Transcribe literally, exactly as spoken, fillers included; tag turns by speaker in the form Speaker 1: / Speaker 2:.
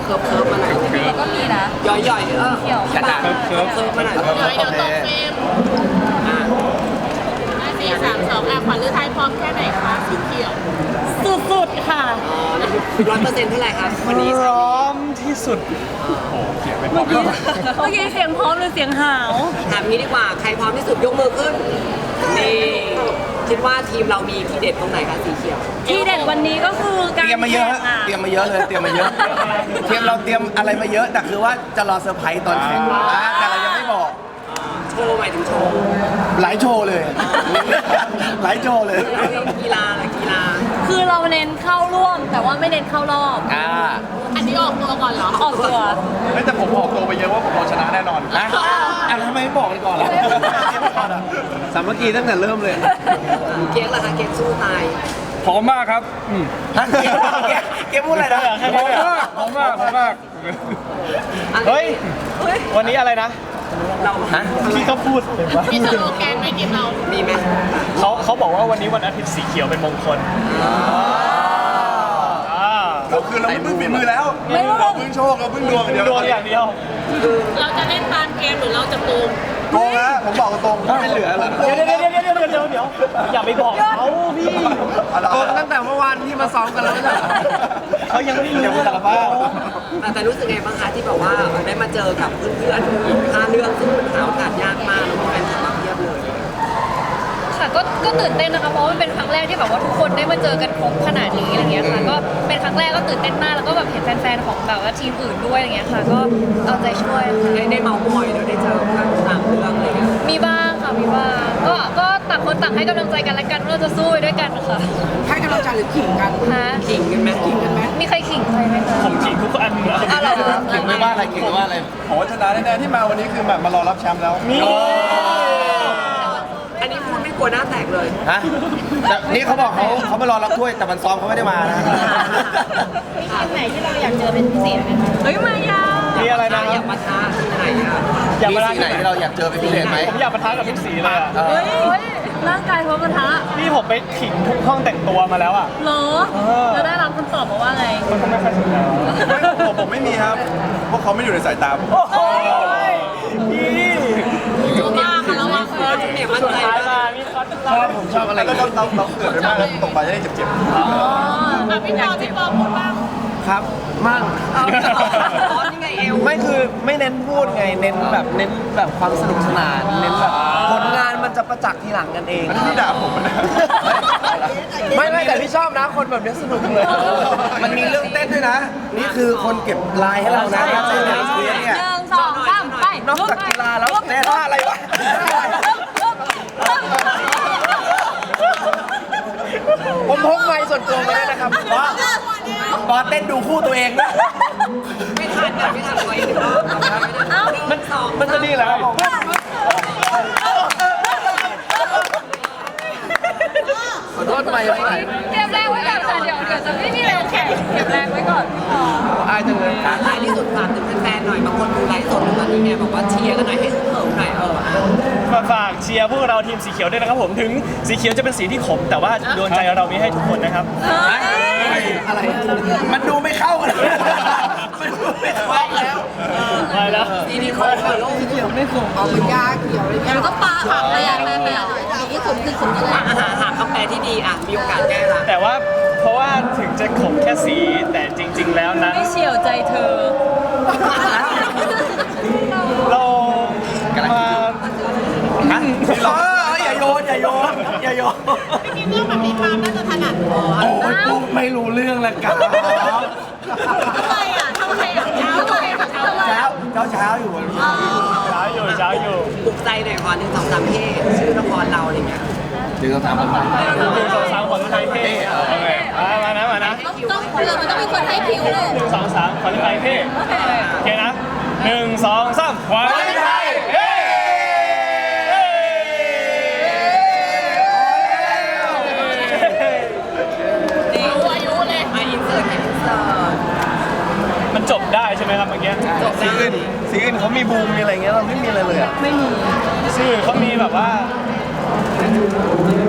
Speaker 1: คิร์ฟเคิร์ฟมาหน่อย
Speaker 2: เราก็มีนะ
Speaker 1: ย่อยย่อยเออ
Speaker 2: เขียว
Speaker 1: กระดาษเคิร์ฟเคิร์ฟมาหน่อย
Speaker 3: เดี๋ยวเดี๋ยวตกเฟรมสี่สามสองอ่ะขวัญฤทัยพร้อมแค่ไหนคะสีเขียว
Speaker 2: สุดๆค่ะ
Speaker 1: ร้อยเปอร์เซ็นต์เท่าไหร่ครับวันนี้
Speaker 4: พร้อมที่สุด
Speaker 2: เมื่อกี้เมื่อกี้เสียงพร้อมหรือเสียงหาว
Speaker 1: ถามงี้ดีกว่าใครพร้อมที่สุดยกมือขึ้นนี่คิดว่าทีมเรามีทีเด็ดตรงไหนคะสีเขียว
Speaker 2: ที่เด็ดวันนี้ก็คือการ
Speaker 4: เตรียมมาเยอะ
Speaker 2: แข่ง
Speaker 4: ฮะเตรียมมาเยอะเลยเตรียมมาเยอะเตรียมเราเตรียมอะไรมาเยอะแต่คือว่าจะรอเซอร์ไพรส์ตอนแข่งอ่าแต่เรายังไม่บอก
Speaker 1: โชว์หมายถึงโชว์
Speaker 4: หลายโชว์เลยหลายโชว์เลย
Speaker 1: กีฬาอะไรกีฬา
Speaker 2: คือเราเน้นเข้าร่วม แต่ว่าไม่เน้นเข้ารอบ
Speaker 4: อ่า
Speaker 3: อันนี้ออกตัวก่อนเหรอ
Speaker 2: ออกตัว
Speaker 4: ไม่แต่ผมออกตัวไปเยอะว่าผมรอชนะแน่นอนนะอ่ะทำไมไม่บอกกันก่อนล่ะสามัคคีตั้งแต่เริ่มเลย
Speaker 1: เก๊กล่ะคะเก๊กสู้ตาย
Speaker 5: พร้อมมากครับ
Speaker 4: ฮะเกมเกมเกมพูดอะไรนะ
Speaker 5: พร้อมมากพร้อมมากพร้อมมาก
Speaker 4: เฮ้ย วันนี้อะไรนะ
Speaker 1: เรา
Speaker 4: ฮะพี่ก็พูด
Speaker 3: มีสโลแกนไหมเกมเรา
Speaker 1: มีไหม
Speaker 4: เขาเขาบอกว่าวันนี้วันอาทิตย์สีเขียวเป็นมงคล
Speaker 6: เราคือเราไม่พึ่งฝีมือแล้ว
Speaker 2: ไม่รู้
Speaker 6: เราพึ่งโชคเราพึ่งดวงอย่างเดียว
Speaker 4: ดวงอย่างเดียว
Speaker 3: เราจะเล่นตามเกมหรือเราจะโกง
Speaker 6: โกงนะผมบอกตรงๆไม่เหลือแล้ว
Speaker 4: เดี๋ยวเดี๋ยวเดี๋ยวเดี๋ยวเดี๋ยวเดี๋ยวเดี๋ยวอย่าไปบอกเขาพี่
Speaker 6: โกงตั้งแต่เมื่อวานที่มาซ้อมกันแล้วนะ
Speaker 4: เขายังไม่ได้รู้สารภาพ
Speaker 1: แต่แต่รู้สึกไงบ้างคะที่แบบว่าได้มาเจอกับเพื่อนๆอีกห้าเรื่องซึ่งมันหาโอกาสยากมากแล้วมีแฟนคลับมาเพียบเลย
Speaker 2: ค่ะก็ก็ตื่นเต้นนะคะเพราะว่ามันเป็นครั้งแรกที่แบบว่าทุกคนได้มาเจอกันครบขนาดนี้อะไรเงี้ยค่ะก็เป็นครั้งแรกก็ตื่นเต้นมากแล้วก็แบบเห็นแฟนๆของแบบว่าทีมอื่นด้วยอะไรเงี้ยค่ะก็เอาใจช่วยค่ะ
Speaker 1: ได้ได้เมาส์มอยแล้วได้เจอเพื่อนต่างเรื่องอะไรเงี้ย
Speaker 2: มีบ้างค่ะมีบ้างก็ก็ต่างคนต่างให้กำลังใจกันและกันว่าเราจะสู้ไปด้วยกันค่ะ
Speaker 1: ให้กำลังใจหรือขิงกัน
Speaker 2: ฮะ
Speaker 1: ขิงกันไหมขิงกันไหม
Speaker 2: มีใครขิงใครไหมคะ
Speaker 4: ผมจริงทุกอันนะ
Speaker 2: อ้าวเหรอ
Speaker 4: เก่งไม่ว่าอะไรเก่งไม่ว่าอะไร
Speaker 6: ผมว่าชนะแน่ๆที่มาวันนี้คือแบบมารอรับแชมป์แล้ว
Speaker 4: มี
Speaker 1: อันนี้พูดไม่กลัวหน้าแตกเลย
Speaker 4: ฮะแต่นี่เขาบอกเขาเขามารอรับถ้วยแต่มันซ้อมเขาไม่ได้มานะ
Speaker 2: เฮ้ยมายา
Speaker 4: มีอะไรนะ
Speaker 1: อยากมาท้าที่ไหนอ่ะ
Speaker 4: อยากมาที่ไหนที่เราอยากเจอเป็นพิเศษไหมผมอยากมาท้ากับทุกสีเลยอะ
Speaker 2: เฮ้ยร่างกายพร้อมกระทะ
Speaker 4: นี่ผมไปขิงทุกห้องแต่งตัวมาแล้วอ่ะ
Speaker 2: เหรอแล้วได้รับคำตอบมาว่าไง
Speaker 4: มันก็ไม่ค่อยสนใจ
Speaker 6: ผมผมไม่มีครับเพราะเขาไม่อยู่ในสายตาผม
Speaker 4: โอ้โหนี่
Speaker 3: ตัวบ้าค่ะระวัง
Speaker 1: เออจุดเนี่ยมั่นใจ
Speaker 4: ท้าย
Speaker 1: มาก
Speaker 4: มานี่เขาชอบผมชอบอะไร
Speaker 6: แล้วเราเราเราเกิดไปมากแล้วตกไปจะได้เจ็บ
Speaker 3: อ่ะพี่ปอพี่ปอพูดบ้าง
Speaker 4: ครับมั่ง
Speaker 1: เอาอ๋อนี่ไงเอว
Speaker 4: ไม่คือไม่เน้นพูดไงเน้นแบบเน้นแบบความสนุกสนานเน้นแบบผลงานมันจะประจักษ์ทีหลังกันเอง
Speaker 6: ๆที่ด่าผมนะ
Speaker 4: ไม่ไม่แต่พี่ชอบนะคนแบบนี้สนุกเลย มันมีเรื่องเต้นด้วยนะ นี่คือคนเก็บลายให้เรานะการเต้นในเรียน
Speaker 2: ห
Speaker 4: เนี่ย
Speaker 2: นึ่งสองสามไป
Speaker 4: นอกจากกีฬาแล้วแน่ท่าอะไรวะผมพกไม้ส่วนตัวมาด้วยนะครับบอสบอสเต้นดูคู่ตัวเองนะ
Speaker 1: ไม่ทันอ่ะไม่ทันไว้หนึ่งรอบ
Speaker 2: เอ้า
Speaker 1: มันสอง
Speaker 4: มันจะดีเหรอครับผม ขอโทษไม่ไม่
Speaker 2: เก็บแรงไว้ก่อนค่ะเดี๋ยวเดี๋ยวจะไม่มีแรงแข่งเก็บแรงไว้ก่อนพี่ปอ
Speaker 4: อายจังเลย
Speaker 1: ท้ายที่สุดฝากถึงแฟนๆหน่อยบางคนดูไลฟ์สดตอนนี้ไงบอกว่าเชียร์กันหน่อยให้เพิ่มหน่อยเอออ่ะ
Speaker 4: มาฝากเชียร์พวกเราทีมสีเขียวด้วยนะครับผมถึงสีเขียวจะเป็นสีที่ขม แต่ว่าดวงใจเรามีให้ทุกคนนะครับ อะไร มันดูไม่เข้ากันเลยมันดูไม่เข้าแล้วไปแล้ว
Speaker 1: ทีนี้เขาเปิดโลกเขียวไม่ขมเอาเป็นยาเขียวเลย
Speaker 2: มันก็ปลาผักเลยอ่ะแม่แม่สีที่สุดคือสุดเลย
Speaker 1: หาหาคำแปลที่ดีอ่ะมีโอกาสแก้ละ
Speaker 4: แต่ว่าเพราะว่าถึงจะขมแค่สีแต่จริง ๆ แล้วนะ
Speaker 2: ไม่เฉียวใจเธอ
Speaker 4: เรามาฮะอย่าโยนอย่าโยนอย่าโยน
Speaker 3: จริงๆเรื่องแบบนี้มาน่าจะถนัดพอ
Speaker 4: โอ้ยกูไม่รู้เรื่องละกัน
Speaker 3: ทำไมอ่ะทำไมอ่ะเช้าเลยอ่ะเช้าเลย
Speaker 4: เช้าเช้าเช้าอยู่เช้าอยู่เช้าอยู่
Speaker 1: ปลุกใจหน่อยก่อนหนึ่งสองสามเท่ชื่อละครเราอะไรเงี้ย
Speaker 4: หนึ่งสองสามคนหนึ่งสองสามคนไทยเท่โอเคมานะมานะ
Speaker 2: ต้องเรือมันต้องมีคนให้คิวเลย
Speaker 4: หนึ่งสองสามคนไทยเท่โอเคนะหนึ่งสองสามคนไทยเฮ้
Speaker 1: ดี
Speaker 3: รู้อายุเลย
Speaker 1: มาอินเสิร์ตอินเสิร์ต
Speaker 4: มันจบได้ใช่ไหมครับเมื่อกี้
Speaker 1: จบได้
Speaker 4: สีอื่นเขามีบูมมีอะไรเงี้ยเราไม่มีอะไรเลยอ่ะ
Speaker 2: ไม่มี
Speaker 4: ชื่อเขามีแบบว่า